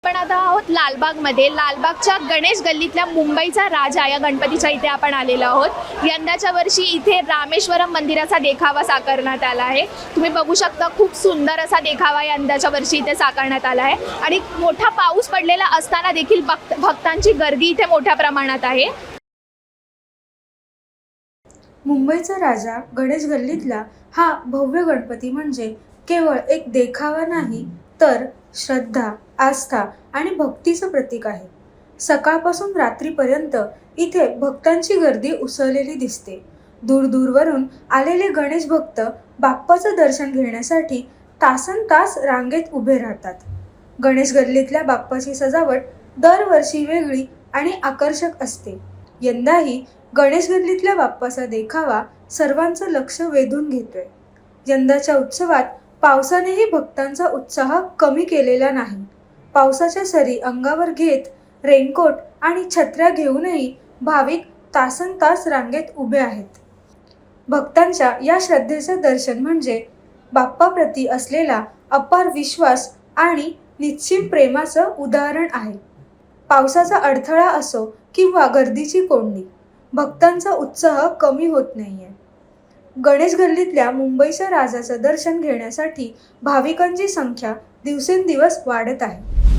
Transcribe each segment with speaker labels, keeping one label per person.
Speaker 1: आपण आता आहोत लालबागमध्ये. लालबागच्या गणेश गल्लीतल्या मुंबईचा राजा या गणपतीच्या इथे आपण आलेलो आहोत. यंदाच्या वर्षी इथे रामेश्वरम मंदिराचा देखावा साकारण्यात आला आहे. तुम्ही बघू शकता खूप सुंदर असा देखावा यंदाच्या वर्षी इथे साकारण्यात आला आहे आणि मोठा पाऊस पडलेला असताना देखील भक्तांची गर्दी इथे मोठ्या प्रमाणात आहे.
Speaker 2: मुंबईचा राजा गणेश गल्लीतला हा भव्य गणपती म्हणजे केवळ एक देखावा नाही तर श्रद्धा, आस्था आणि भक्तीचं प्रतीक आहे. सकाळपासून रात्रीपर्यंत इथे भक्तांची गर्दी उसळलेली दिसते. दूरदूरवरून आलेले गणेश भक्त बाप्पाचं दर्शन घेण्यासाठी तासनतास रांगेत उभे राहतात. गणेश गल्लीतल्या बाप्पाची सजावट दरवर्षी वेगळी आणि आकर्षक असते. यंदाही गणेश गल्लीतल्या बाप्पाचा देखावा सर्वांचं लक्ष वेधून घेतोय. यंदाच्या उत्सवात पावसानेही भक्तांचा उत्साह कमी केलेला नाही. पावसाच्या सरी अंगावर घेत रेनकोट आणि छत्र्या घेऊनही भाविक तासनतास रांगेत उभे आहेत. भक्तांच्या या श्रद्धेचं दर्शन म्हणजे बाप्पाप्रती असलेला अपार विश्वास आणि निश्चित प्रेमाचं उदाहरण आहे. पावसाचा अडथळा असो किंवा गर्दीची कोंडी, भक्तांचा उत्साह कमी होत नाहीये. गणेश गल्लीतल्या मुंबईच्या राजाचं दर्शन घेण्यासाठी भाविकांची संख्या दिवसेंदिवस वाढत आहे.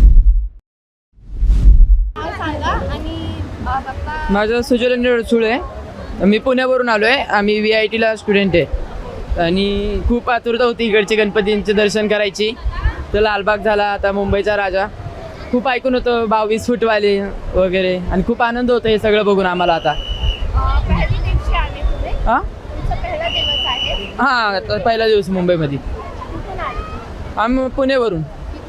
Speaker 3: माझं सुजलेंद्र सुळे आहे. मी पुण्यावरून आलो आहे. आम्ही VITला स्टुडंट आहे आणि खूप आतुरता होती इकडचे गणपतींचे दर्शन करायची. तर लालबाग झाला, आता मुंबईचा राजा. खूप ऐकून होतं 22 फूटवाले वगैरे आणि खूप आनंद होतो हे सगळं बघून आम्हाला. आता हां पहिला दिवस मुंबईमध्ये. आम्ही पुण्यावरून.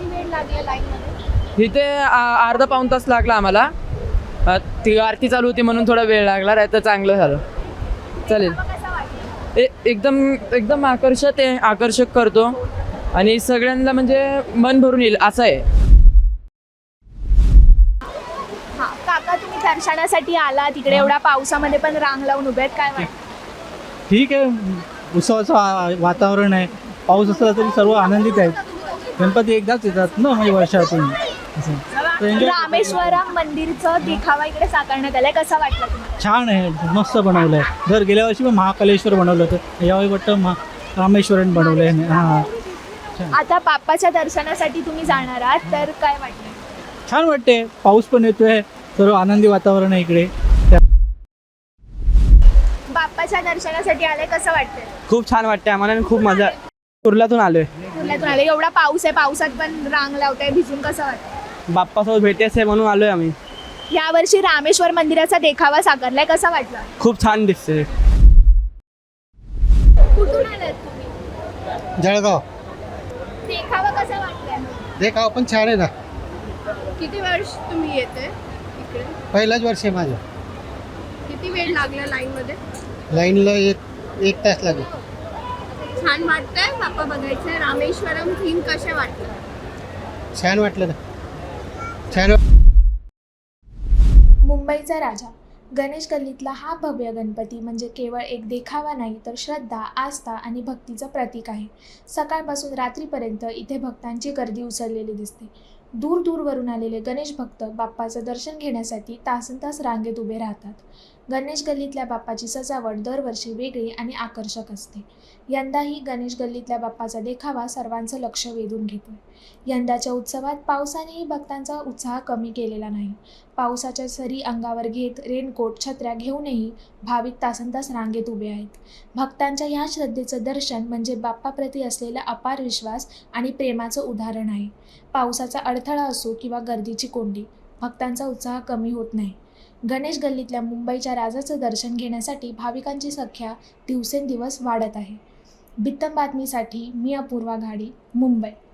Speaker 3: इथे अर्धा पाऊण तास लागला आम्हाला. ती आरती चालू होती म्हणून थोडा वेळ लागला, नाही तर चांगलं झालं. चालेल. एकदम आकर्षक करतो आणि सगळ्यांना म्हणजे मन भरून येईल असं आहे.
Speaker 1: काका, तुम्ही दर्शनासाठी आला तिकडे एवढ्या पावसामध्ये पण रांग लावून उभे आहेत, काय वाटतं?
Speaker 4: ठीक आहे, उत्सवाचं वातावरण आहे. पाऊस असला तरी सर्व आनंदित आहेत. गणपती एकदाच येतात ना म्हणजे वर्षातून.
Speaker 1: रामेश्वरम मंदिरचं देखावा इकडे साकारण्यात आलाय, कसा वाटला तुम्हाला?
Speaker 4: छान आहे, मस्त बनवलं आहे. जर गेल्या वर्षी महाकालेश्वर बनवलं होतं, यावेळी वाटतं रामेश्वरम बनवलं आहे. हां,
Speaker 1: आता बाप्पाच्या दर्शनासाठी तुम्ही जाणार आहात तर काय वाटतं?
Speaker 4: छान वाटते. पाऊस पण येतोय, सर्व आनंदी वातावरण आहे इकडे.
Speaker 1: बाप्पाच्या दर्शनासाठी आले, कसं वाटतंय?
Speaker 3: खूप छान वाटते आम्हाला, खूप मजा. कुर्ल्यातून आलोय.
Speaker 1: कुर्ल्यातून आले, एवढा पाऊस आहे, पावसात पण रांग लावताय, भिजून कसं वाटतं?
Speaker 3: बाप्पासोबत भेटायचं आहे म्हणून आलोय आम्ही.
Speaker 1: यावर्षी रामेश्वर मंदिराचा देखावा साकारलाय, कसा वाटला?
Speaker 3: खूप छान दिसते.
Speaker 1: कुठून आलात तुम्ही?
Speaker 5: जळगाव.
Speaker 1: देखावा कसा वाटलाय?
Speaker 5: देखाव पण छान आहे ना.
Speaker 1: किती वर्ष तुम्ही येते इकडे?
Speaker 5: पहिलाच वर्ष आहे माझं.
Speaker 1: किती वेळ लागला लाईन मध्ये?
Speaker 5: लाईनला एक तास लागेल.
Speaker 1: छान वाटतंय बाप्पा बघायचं. रामेश्वरम थीम कशा वाटलं?
Speaker 5: छान वाटलं ना. छान.
Speaker 1: मुंबईचा राजा गणेश गल्लीतला हा भव्य गणपती म्हणजे केवळ एक देखावा नाही तर श्रद्धा, आस्था आणि भक्तीचं प्रतीक आहे. सकाळपासून रात्रीपर्यंत इथे भक्तांची गर्दी उसळलेली दिसते. दूरदूरवरून आलेले गणेश भक्त बाप्पाचं दर्शन घेण्यासाठी तासनतास रांगेत उभे राहतात. गणेश गल्लीतल्या बाप्पाची सजावट दरवर्षी वेगळी आणि आकर्षक असते. यंदाही गणेश गल्लीतल्या बाप्पाचा देखावा सर्वांचं लक्ष वेधून घेतोय. यंदाच्या उत्सवात पावसानेही भक्तांचा उत्साह कमी केलेला नाही. पावसाच्या सरी अंगावर घेत रेनकोट, छत्र्या घेऊनही भाविक तासनतास रांगेत उभे आहेत. भक्तांच्या ह्या श्रद्धेचं दर्शन म्हणजे बाप्पाप्रती असलेला अपार विश्वास आणि प्रेमाचं उदाहरण आहे. पावसाचा अडथळा असो किंवा गर्दीची कोंडी, भक्तांचा उत्साह कमी होत नाही. गणेश गल्लीतल्या मुंबईच्या राजाचं दर्शन घेण्यासाठी भाविकांची संख्या दिवसेंदिवस वाढत आहे. बित्तम बातमीसाठी मी अपूर्वा घाडी, मुंबई.